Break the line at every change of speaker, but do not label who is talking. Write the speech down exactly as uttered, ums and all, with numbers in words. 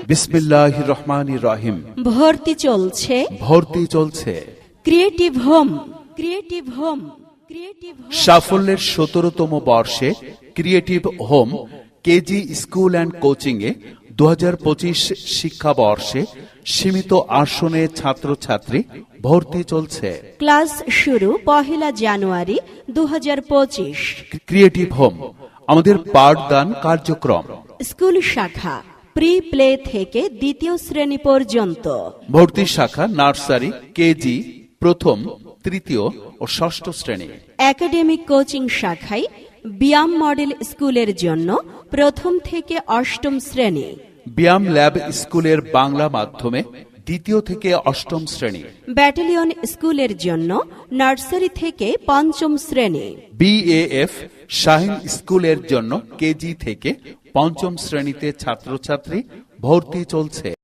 বিসমিল্লাহির রহমানির রহিম।
ভর্তি চলছে
ভর্তি চলছে
creative home creative home creative home
সাফল্যের সতেরোতম বর্ষে creative home KG school and coaching এ দু হাজার পঁচিশ শিক্ষাবর্ষে সীমিত আসনে ছাত্রছাত্রী ভর্তি চলছে।
ক্লাস শুরু পহেলা জানুয়ারি দু হাজার পঁচিশ।
ক্রিয়েটিভ হোম আমাদের পাঠদান কার্যক্রম।
স্কুল শাখা প্রি প্লে থেকে দ্বিতীয় শ্রেণী পর্যন্ত।
ভর্তি শাখা নার্সারি, কেজি, প্রথম, তৃতীয় ও ষষ্ঠ শ্রেণী।
একাডেমিক কোচিং শাখায় ব্যায়াম মডেল স্কুলের জন্য প্রথম থেকে অষ্টম শ্রেণী।
ব্যায়াম ল্যাব স্কুলের বাংলা মাধ্যমে দ্বিতীয় থেকে অষ্টম শ্রেণী।
ব্যাটালিয়ন স্কুলের জন্য নার্সারি থেকে পঞ্চম শ্রেণী।
বিএএফ শাহিন স্কুলের জন্য কেজি থেকে পঞ্চম শ্রেণীতে ছাত্রছাত্রী ভর্তি চলছে।